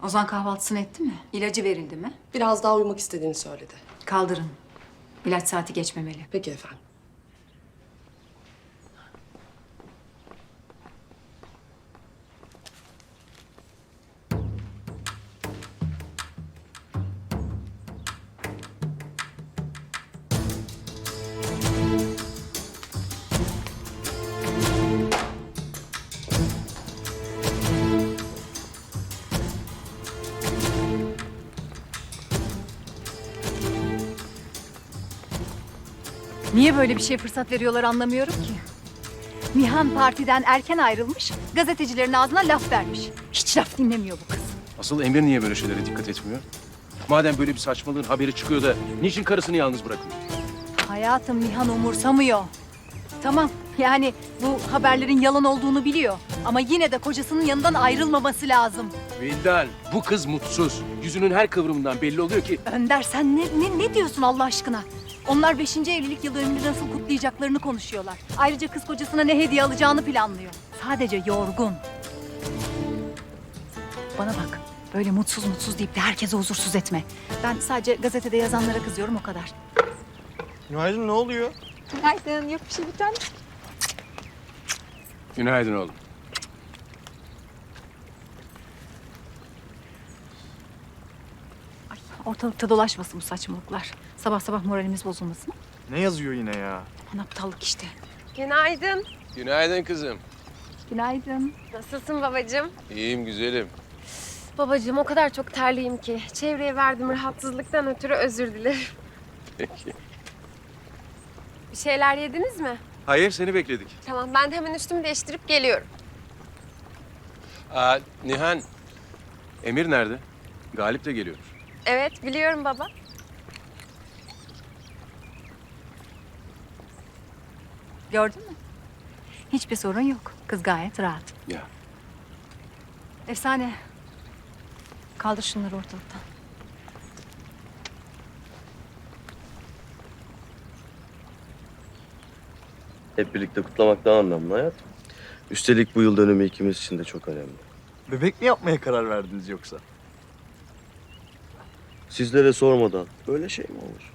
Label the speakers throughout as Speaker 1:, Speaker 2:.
Speaker 1: Ozan kahvaltısını etti mi? İlacı verildi mi?
Speaker 2: Biraz daha uyumak istediğini söyledi.
Speaker 1: Kaldırın. İlaç saati geçmemeli.
Speaker 2: Peki efendim.
Speaker 3: Niye böyle bir şeye fırsat veriyorlar anlamıyorum ki. Nihan partiden erken ayrılmış, gazetecilerin ağzına laf vermiş. Hiç laf dinlemiyor bu kız.
Speaker 4: Asıl Emir niye böyle şeylere dikkat etmiyor? Madem böyle bir saçmalığın haberi çıkıyor da niçin karısını yalnız bırakıyor?
Speaker 3: Hayatım, Nihan umursamıyor. Tamam, yani bu haberlerin yalan olduğunu biliyor. Ama yine de kocasının yanından ayrılmaması lazım.
Speaker 4: Vildan, bu kız mutsuz. Yüzünün her kıvrımından belli oluyor ki...
Speaker 3: Önder sen ne diyorsun Allah aşkına? Onlar 5. evlilik yıl dönümünü nasıl kutlayacaklarını konuşuyorlar. Ayrıca kız kocasına ne hediye alacağını planlıyor. Sadece yorgun. Bana bak, böyle mutsuz deyip de herkese huzursuz etme. Ben sadece gazetede yazanlara kızıyorum o kadar.
Speaker 5: Günaydın, ne oluyor?
Speaker 3: Günaydın, yok bir şey bir tane.
Speaker 4: Günaydın oğlum.
Speaker 3: Ay, ortalıkta dolaşmasın bu saçmalıklar. Sabah sabah moralimiz bozulmasın.
Speaker 5: Ne yazıyor yine ya?
Speaker 3: Aman aptallık işte.
Speaker 6: Günaydın.
Speaker 4: Günaydın kızım.
Speaker 3: Günaydın.
Speaker 6: Nasılsın babacığım?
Speaker 4: İyiyim güzelim.
Speaker 6: Babacığım o kadar çok terliyim ki. Çevreye verdiğim rahatsızlıktan ötürü özür dilerim.
Speaker 4: Peki.
Speaker 6: Bir şeyler yediniz mi?
Speaker 4: Hayır, seni bekledik.
Speaker 6: Tamam ben de hemen üstümü değiştirip geliyorum.
Speaker 4: Nihan, Emir nerede? Galip de geliyor.
Speaker 6: Evet biliyorum baba.
Speaker 3: Gördün mü? Hiçbir sorun yok. Kız gayet rahat.
Speaker 4: Ya.
Speaker 3: Efsane. Kaldır şunları ortalıktan.
Speaker 7: Hep birlikte kutlamak daha anlamlı hayat. Üstelik bu yıl dönümü ikimiz için de çok önemli.
Speaker 5: Bebek mi yapmaya karar verdiniz yoksa?
Speaker 7: Sizlere sormadan böyle şey mi olur?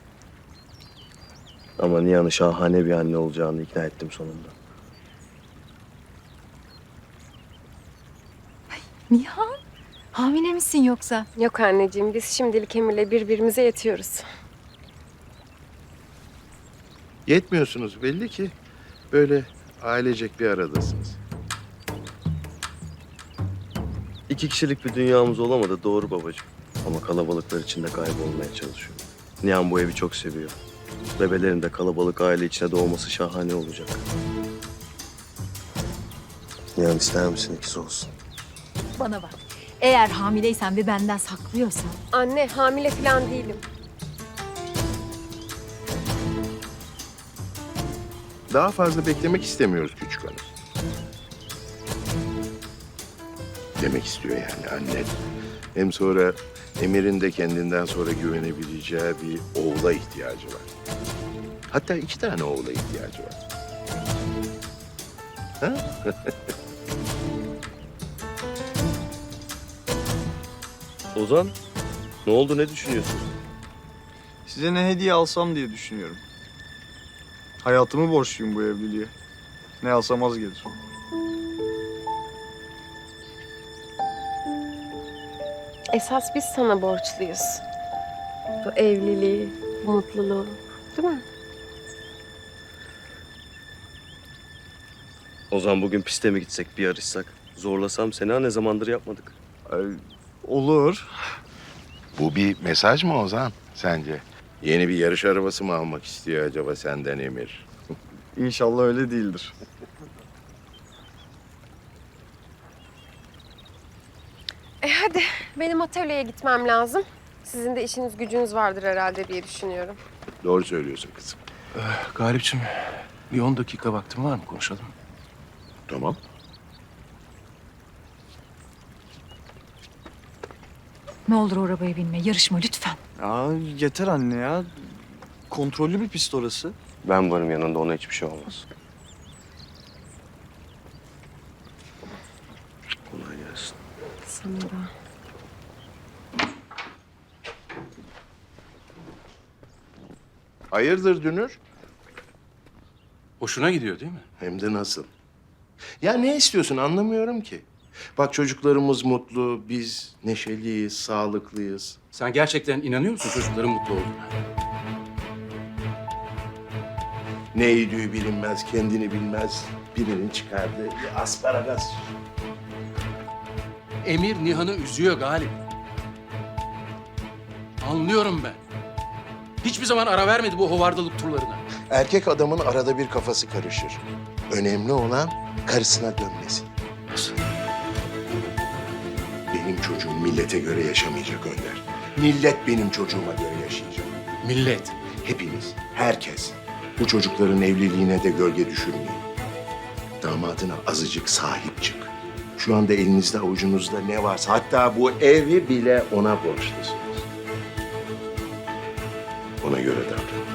Speaker 7: Ama Nihan'ı şahane bir anne olacağını ikna ettim sonunda.
Speaker 3: Nihan, hamile misin yoksa?
Speaker 6: Yok anneciğim biz şimdilik Emir'le birbirimize yetiyoruz.
Speaker 8: Yetmiyorsunuz belli ki. Böyle ailecek bir aradasınız.
Speaker 7: 2 kişilik bir dünyamız olamadı doğru babacığım. Ama kalabalıklar içinde kaybolmaya çalışıyor. Nihan bu evi çok seviyor. Bebelerin de kalabalık aile içine doğması şahane olacak. Nihan ister misin ikiz olsun?
Speaker 3: Bana bak. Eğer hamileysen ve benden saklıyorsan...
Speaker 6: Anne hamile falan değilim.
Speaker 8: Daha fazla beklemek istemiyoruz küçük hanım. Demek istiyor yani anne. Hem sonra Emir'in de kendinden sonra güvenebileceği bir oğula ihtiyacı var. Hatta 2 tane oğula ihtiyacı var. Ha?
Speaker 7: Ozan, ne oldu ne düşünüyorsun?
Speaker 5: Size ne hediye alsam diye düşünüyorum. Hayatımı borçluyum bu evliliğe. Ne alsam az gelir.
Speaker 6: Esas biz sana borçluyuz. Bu evliliği, bu mutluluğu. Değil mi?
Speaker 7: Ozan bugün piste mi gitsek bir yarışsak? Zorlasam seni ha ne zamandır yapmadık.
Speaker 5: Ay, olur.
Speaker 8: Bu bir mesaj mı Ozan sence? Yeni bir yarış arabası mı almak istiyor acaba senden Emir?
Speaker 5: İnşallah öyle değildir.
Speaker 6: Hadi benim atölyeye gitmem lazım. Sizin de işiniz gücünüz vardır herhalde diye düşünüyorum.
Speaker 8: Doğru söylüyorsun kızım.
Speaker 4: Galipciğim, bir 10 dakika vaktin var mı konuşalım?
Speaker 8: Tamam.
Speaker 3: Ne olur o arabaya binme, yarışma lütfen.
Speaker 5: Ya yeter anne ya. Kontrollü bir pist orası.
Speaker 7: Ben varım yanında ona hiçbir şey olmaz. Kolay gelsin.
Speaker 6: Sana da.
Speaker 8: Hayırdır Dünür?
Speaker 4: Hoşuna gidiyor değil mi?
Speaker 8: Hem de nasıl? Ya ne istiyorsun anlamıyorum ki. Bak çocuklarımız mutlu, biz neşeliyiz, sağlıklıyız.
Speaker 4: Sen gerçekten inanıyor musun çocukların mutlu olduğuna?
Speaker 8: Ne yediği bilinmez, kendini bilmez. Birinin çıkardığı bir asparagas.
Speaker 4: Emir Nihan'ı üzüyor Galip. Anlıyorum ben. Hiçbir zaman ara vermedi bu hovardalık turlarına.
Speaker 8: Erkek adamın arada bir kafası karışır. Önemli olan karısına dönmesi.
Speaker 4: Nasıl?
Speaker 8: Benim çocuğum millete göre yaşamayacak Önder. Millet benim çocuğuma göre yaşayacak.
Speaker 4: Millet.
Speaker 8: Hepimiz, herkes. Bu çocukların evliliğine de gölge düşürmeyin. Damadına azıcık sahip çık. Şu anda elinizde avucunuzda ne varsa, hatta bu evi bile ona borçlusunuz. Ona göre davran.